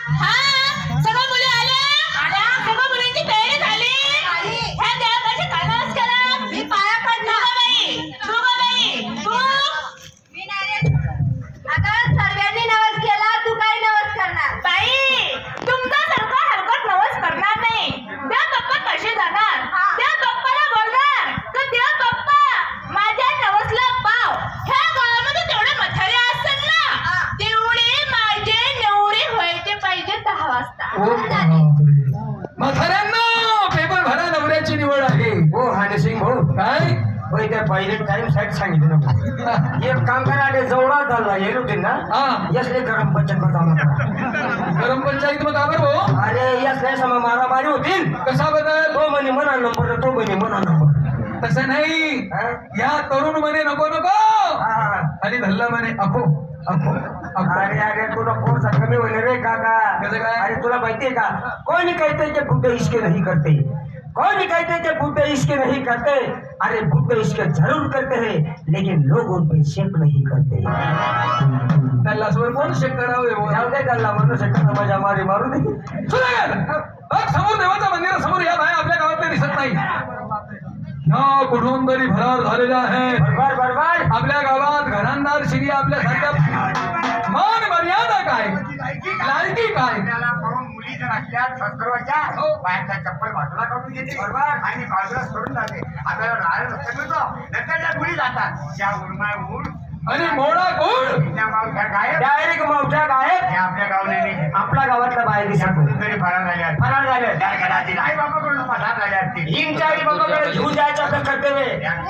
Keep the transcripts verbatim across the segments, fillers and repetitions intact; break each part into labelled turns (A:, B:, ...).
A: हा सगळ्या मुली आल्या आल्या सगळ्या मुलींची तयारी झाली ह्या देवाचे कानास करा मी पाया पडणार बाई तू गं बाई तू मी नाही अगं सर्वांनी नवस केला तू काय नवस करणार बाई तुमचा सारखा हलकट नवस करणार नाही त्या पप्पा कसे जाणार त्या पप्पाला बोलणार तर त्या पप्पा माझ्या नवसला पाव ह्या गावामध्ये तेवढे म्हातारे असतात ना तेवढे माझे नवरे व्हायचे पाहिजे दहा वाजता
B: म्हाताऱ्यांना पेपर भरा नवऱ्याची निवड आहे
C: हो हाने सिंग हो
B: काय
C: होय त्या पहिले टाइम साईड सांगितलं ना एक काम करा आले जवळा झाला येलो ते ना
B: हा
C: यसले गरम पंचायत बतावं
B: गरम पंचायत मग आवर हो
C: अरे यसले समा मारामारी होतील
B: कसा बदल
C: तो म्हणे म्हणा नंबर तो म्हणे म्हणा नंबर
B: तसं नाही
C: हा?
B: या तरुण म्हणे नको नको
C: हा, हा.
B: आणि धल्ला म्हणे अखो अखो अखो
C: अरे अरे तुला कोणसा कमी होईल रे काका
B: कसं काय?
C: अरे तुला माहितीये का कोणी कहते कि बुद्ध इसके नहीं करते कौन कहते कि बुद्ध इसके नहीं करते अरे बुद्ध इसके जरूर करते हैं लेकिन लोग उन पे शेक नहीं करते
B: त्याला स्वर कोण शेक करावे
C: जाऊ दे गल्ला म्हणून शकता मजा मारी मारू दे
B: समोर देवाच्या मंदिरासमोर या बाया आपल्या गावातल्या दिसत नाही ह्या कुठून तरी फरार झालेल्या आहेत
C: बरोबर बरोबर
B: आपल्या गावात घरांदार श्री आपल्या सारख्या मान मर्यादा काय लायकी काय
D: त्याला पाहून मुली जर असल्या संस्कृतच्या बाहेरच्या चप्पल बाजूला काढून घेते बरोबर आणि बाजूला सोडून जाते आपल्याला राहायला रस्ता मिळतो नंतर त्या मुली जातात त्या उर्मा उड
B: आणि मोळा कोण
D: त्या मावठ्या गायब
C: डायरेक्ट मावठ्या गायब
D: त्या आपल्या गावले नाही
C: आपल्या गावातल्या बाहेर
D: त्या
C: दिसत
D: कुठून तरी फरार झाल्या
C: फरार झाले
D: त्या घरातील आई बाबाकडून पसार झाल्या असतील
C: हिंगच्या आई बाबाकडे घेऊन जायचं तर कर्तव्य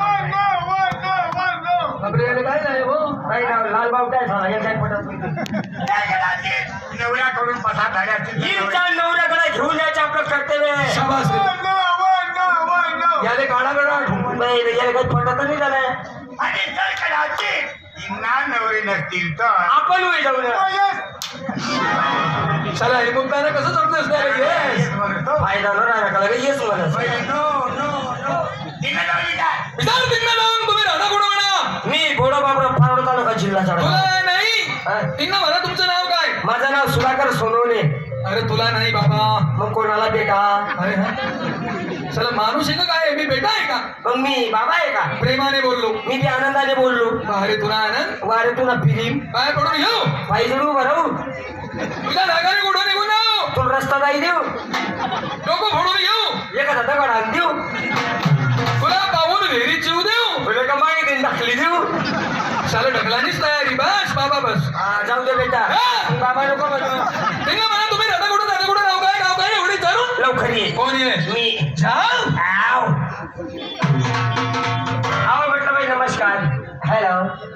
B: बापरे याला काय झाले हो
C: काही नाव लाल बावटा झाला या साईड पटत
D: त्या घरातील नवऱ्याकडून पसार झाल्या असतील
C: हिंगच्या नवऱ्याकडे घेऊन जायचं आपलं कर्तव्य
B: शाबास याले काढा काढा
C: नाही याला काही पटत नाही झालंय
D: आणि जर कदाचित हिंगणा नवरे नसतील तर
C: आपण होई जाऊ नये
B: चला हे मुक्ताने कसं समजत येस
C: फायदा न राहिला का लगे येस म्हणत
B: विचार तिकडे जाऊन तुम्ही राधा कोण म्हणा
C: मी गोडो बाबरा पारोड तालुका जिल्हा
B: तुला
C: चाळा
B: नाही तिकडे म्हणा तुमचं नाव काय
C: माझं नाव सुधाकर सोनवणे
B: अरे तुला नाही बाबा
C: मग कोणाला बेटा
B: अरे हा चला माणूस आहे का काय मी बेटा आहे का
C: मग मी बाबा आहे का
B: प्रेमाने बोललो
C: मी बी आनंदाने बोललो
B: अरे तुला आनंद
C: वारे तुला फिरीम
B: काय पडून घेऊ
C: पाहिजे भरवू
B: तुझ्या नागाने कुठं निघून जाऊ
C: तुला रस्ता जाई देऊ
B: डोकं फोडून घेऊ
C: एखादा दगड आण देऊ
B: तुला पाहून विहिरीत जीव देऊ
C: तुला का मागे देऊन दाखली देऊ
B: चला ढकलानीच तयारी बस बाबा बस
C: हा, जाऊ दे बेटा
B: हा.
C: बाबा नको म्हणू.
B: तिकडे म्हणा तुम्ही राधा कुठं राधा कुठं नाव काय नाव काय एवढी विचारून
C: लवकर ये
B: कोण आहे
C: मी
B: जाऊ
C: आव आव म्हटलं बाई नमस्कार हॅलो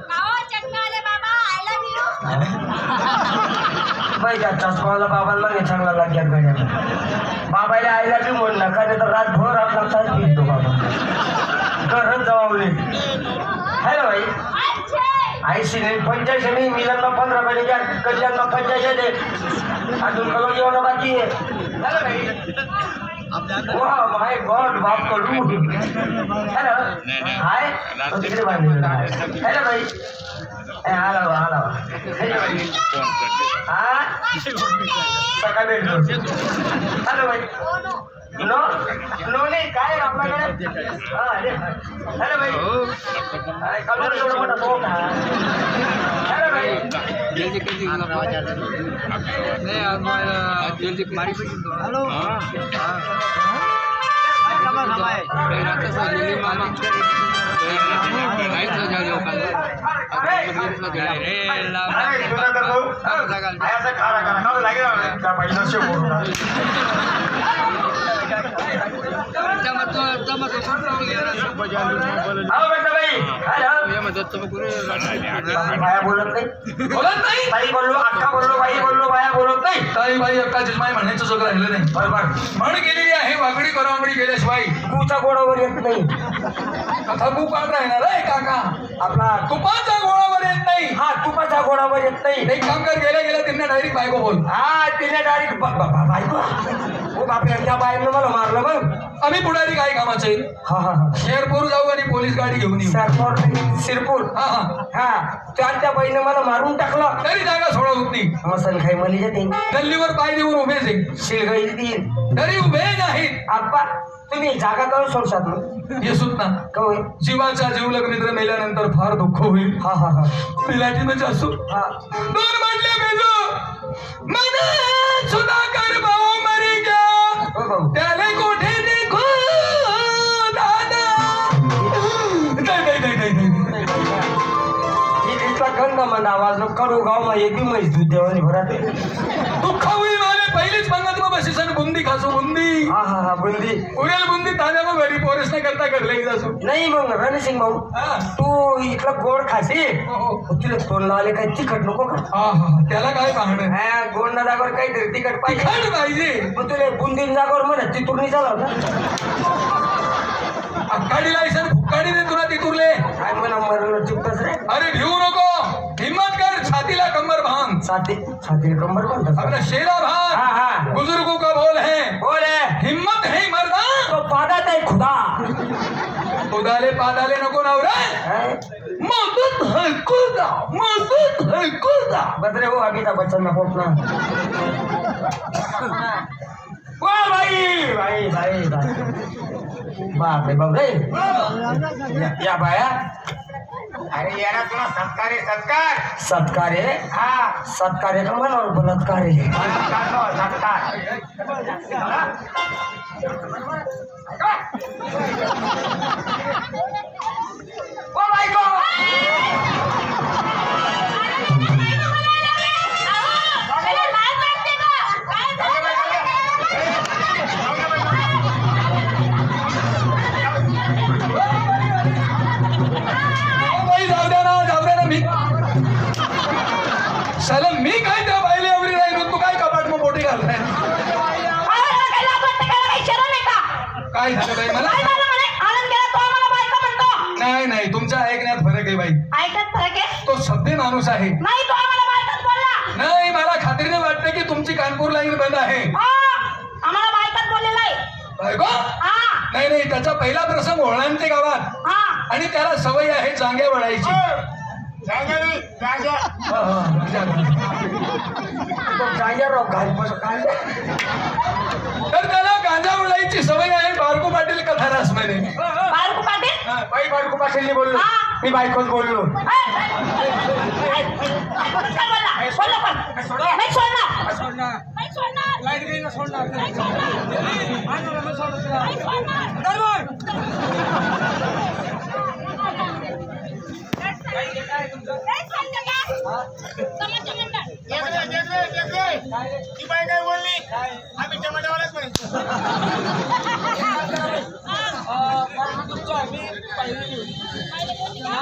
C: बाई त्या चष्माला बाबांना नाही चांगला लागल्यात गाड्या बाबाला आईला बी म्हण नका नाही तर रातभर आपला तास पितो बाबा घरच जबावले हॅलो बाई ऐंशी नाही पंच्याऐंशी नाही मिलनला पंधरा महिने कल्याणला पंच्याऐंशी दे अजून कलो जेवण बाकी आहे हॅलो बाई वा माय गॉड बाप कडू हॅलो हाय तिकडे बांधलेलं हॅलो बाई आला बा आला बा हॅलो बाई हा सकाळ भेटलो हॅलो बाई नो नो नाही काय आपल्याकडे हा हॅलो बाई कलर एवढा मोठा तो का हॅलो बाई हॅलो बाया बोलत नाही
B: बोलत नाही
C: बाई बोललो अक्का बोललो बाई बोललो बाया बोलत नाही
B: ताई बाई अक्का जिजमाई म्हणायचं सगळं राहिलं नाही
C: बरोबर
B: म्हण गेलेली आहे वाकडी करावडी गेल्याशिवाय
C: तूच्या गोडावर येत नाही
B: कथा तू काढ राहणार आहे काका
C: आपला
B: तुपाच्या गोळावर येत नाही
C: हा तुपाच्या गोडावर येत नाही
B: एक काम कर गेल्या गेल्या त्यांना डायरेक्ट बायको बोल
C: हा तिने डायरेक्ट बायको हो बापरे त्या बाईनं मला मारलं मग
B: आम्ही पुढारी काय कामाचे
C: हा हा हा
B: शेरपूर जाऊ आणि पोलीस गाडी घेऊन येऊ
C: सरपोर शिरपूर
B: हा हा
C: हा त्या त्या बाईनं मला मारून टाकलं
B: तरी जागा सोडा होत नाही
C: मसन खाई मला येते
B: गल्लीवर पाय देऊन उभेच आहे
C: शिलगाई देईन
B: तरी उभे नाहीत
C: आप्पा तुम्ही जागा करून सोडशात ना
B: हे सुद्धा
C: कवय
B: जीवाचा जीवलग मित्र मेल्यानंतर फार दुःख होईल
C: हा हा हा
B: पिलाटीनच असो
C: हा
B: दोन म्हटले मेजो मन सुधाकर भाऊ मरी गया
C: हो भाऊ
B: त्याले कोठे देखो दादा नाही नाही नाही नाही नाही
C: इथला गंध म्हणा आवाज नो कडू गाव मा येते म्हैस दूध देवानी भरात
B: दुःख होईल मारे पहिलीच पंगत मग बशी सन बुंदी खासो बुंदी
C: हा हा हा बुंदी
B: उरेल बुंदी ताज्या मग घरी पोरेस नाही करता घडले जासो
C: नाही मग रणसिंग भाऊ
B: हा
C: तू इथला गोड खाशी
B: हो, हो.
C: तुला तोंडला आले काही तिखट नको का
B: हा हा त्याला काय पाहणं
C: हा गोड ना जागोर काहीतरी तिखट पाहिजे
B: तिखट पाहिजे
C: मग तुला बुंदीन जागोर म्हणत ती तुरणी चालव ना
B: अक्काडी लायसन फुक्काडी दे तुला तिथुरले
C: काय म्हणा मरण चिपतच रे
B: अरे भिवू नको हिम्मत कर छातीला कंबर बांध
C: साथी साथी कंबर म्हणतात
B: अपना शेरा
C: हा
B: भाग
C: हा
B: बुजुर्गों का बोल है
C: बोल है
B: हिम्मत है मर्दा
C: तो पादात आहे खुदा
B: उदाले पादाले नको नवरा
C: है?
B: मदत है खुदा मदत है खुदा
C: बदरे हो अमिताभ बच्चन ना पोपना वा भाई भाई भाई भाई बाप रे बाप रे या- या बाया
D: अरे यारा तुला सत्कार आहे सत्कार
C: सत्कार आहे
D: हा
C: सत्कार आहे का मनावर बलात्कार आहे
D: सत्कार सत्कार
C: ओ बायको
A: त्याला लाज वाटते का? काय झालं?
B: बाई जाऊ द्या ना जाऊ द्या ना मी सलम मी काय त्या बाईले आवरी राहील तू काय कपाट मग मोठी घालताय
A: अहो, याला काही लाज वाटते का? याला काही शरम आहे का?
B: काय झालं बाई मला
A: काय झालं म्हणे? आनंद गेला तो आम्हाला बायका म्हणतो.
B: नाही नाही तुमच्या ऐकण्यात फरक आहे बाई
A: ऐकत फरक आहे?
B: तो सभ्य माणूस आहे
A: नाही तो आम्हाला बायकाच बोलला.
B: नाही मला खात्रीने वाटते की तुमची कानपूर लाईन बंद आहे
A: हा, आम्हाला बायकाच बोललेला आहे.
B: बायको
A: हा,
B: नाही नाही त्याचा पहिला प्रसंग ओळांते गावात
A: हा.
B: आणि त्याला सवय आहे जांग्या वळायची
D: जागेरी जागे
B: हा, हा, जागा.
C: तो गांजाराव घाल काय
B: तर त्याला गांजा वळायची सवय आहे बारको पाटील कथारास मध्ये
A: बारकू पाटील?
C: बाई बायको पाटीलनी बोललो
A: हा.
C: मी बायकोच बोललो
A: ऐ, ऐ, ऐ, कोणीच काय बोलला? बोललो पण. नाही सोडणार. नाही सोडणार. नाही सोडणार. नाही सोडणार. नाही सोडणार का? समाजच्या मंडळ.
D: ती बाई काय बोलली आम्ही टमाट्यावालाच म्हणतो